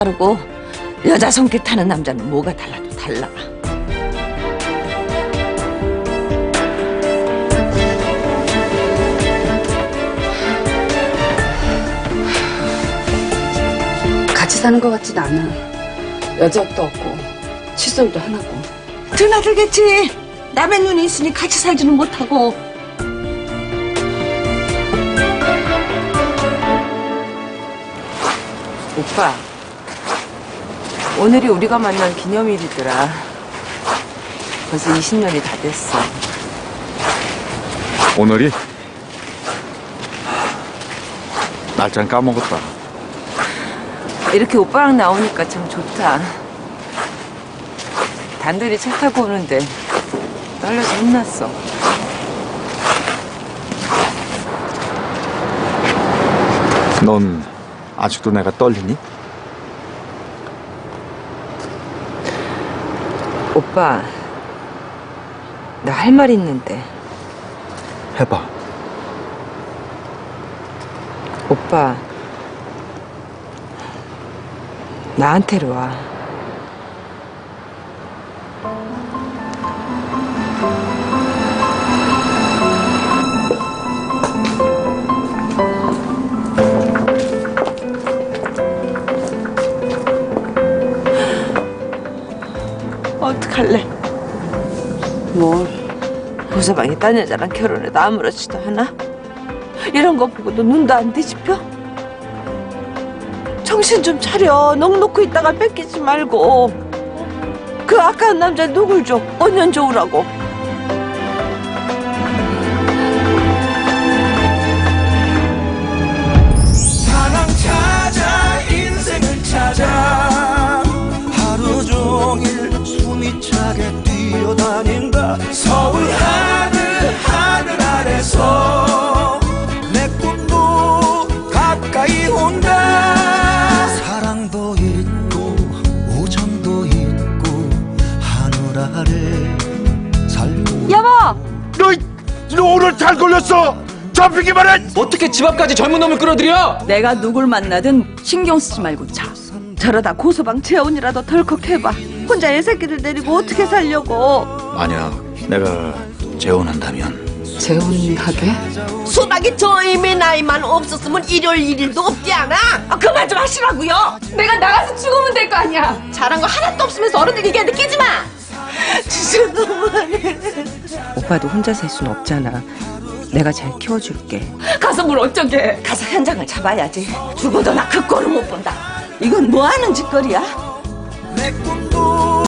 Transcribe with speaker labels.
Speaker 1: 다르고 여자 손길 타는 남자는 뭐가 달라도 달라.
Speaker 2: 같이 사는 것 같지도 않아. 여자도 없고 칫솔도 하나고.
Speaker 1: 드나들겠지. 남의 눈이 있으니 같이 살지는 못하고.
Speaker 3: 오빠, 오늘이 우리가 만난 기념일이더라. 벌써 20년이 다 됐어.
Speaker 4: 오늘이? 날짜는 까먹었다.
Speaker 3: 이렇게 오빠랑 나오니까 참 좋다. 단둘이 차 타고 오는데 떨려서 혼났어.
Speaker 4: 넌 아직도 내가 떨리니?
Speaker 3: 오빠, 나 할 말 있는데.
Speaker 4: 해봐.
Speaker 3: 오빠, 나한테로 와.
Speaker 1: 어떡할래?
Speaker 2: 뭘?
Speaker 1: 보서방이 딴 여자랑 결혼해도 아무렇지도 않아? 이런 거 보고도 눈도 안 뒤집혀? 정신 좀 차려. 넋 놓고 있다가 뺏기지 말고. 그 아까운 남자 누굴 줘? 언년 좋으라고.
Speaker 5: 사랑 찾아 인생을 찾아 하루 종일 숨이 차게 뛰어다닌다. 서울 하늘 아래서 내 꿈도 가까이 온다. 사랑도 있고 우정도 있고 하늘 아래 살고.
Speaker 1: 여보!
Speaker 4: 너 오늘 잘 걸렸어! 잡히기만 해!
Speaker 6: 어떻게 집 앞까지 젊은 놈을 끌어들여?
Speaker 2: 내가 누굴 만나든 신경 쓰지 말고 자.
Speaker 1: 저러다 고소방 재혼이라도 덜컥 해봐. 혼자 애새끼들 데리고 어떻게 살려고.
Speaker 4: 만약 내가 재혼한다면
Speaker 2: 재혼하게?
Speaker 1: 수박이 저 이미 나이만 없었으면 일요일 일일도 없지 않아? 그만 좀 하시라고요.
Speaker 2: 내가 나가서 죽으면 될 거 아니야.
Speaker 1: 잘한 거 하나도 없으면서 어른들 얘기 느끼지 마. 진짜 너무하네.
Speaker 3: 오빠도 혼자 살 순 없잖아. 내가 잘 키워줄게.
Speaker 1: 가서 뭘 어쩌게. 가서 현장을 잡아야지. 죽어도 나 그 꼴을 못 본다. 이건 뭐 하는 짓거리야?
Speaker 5: 내 꿈도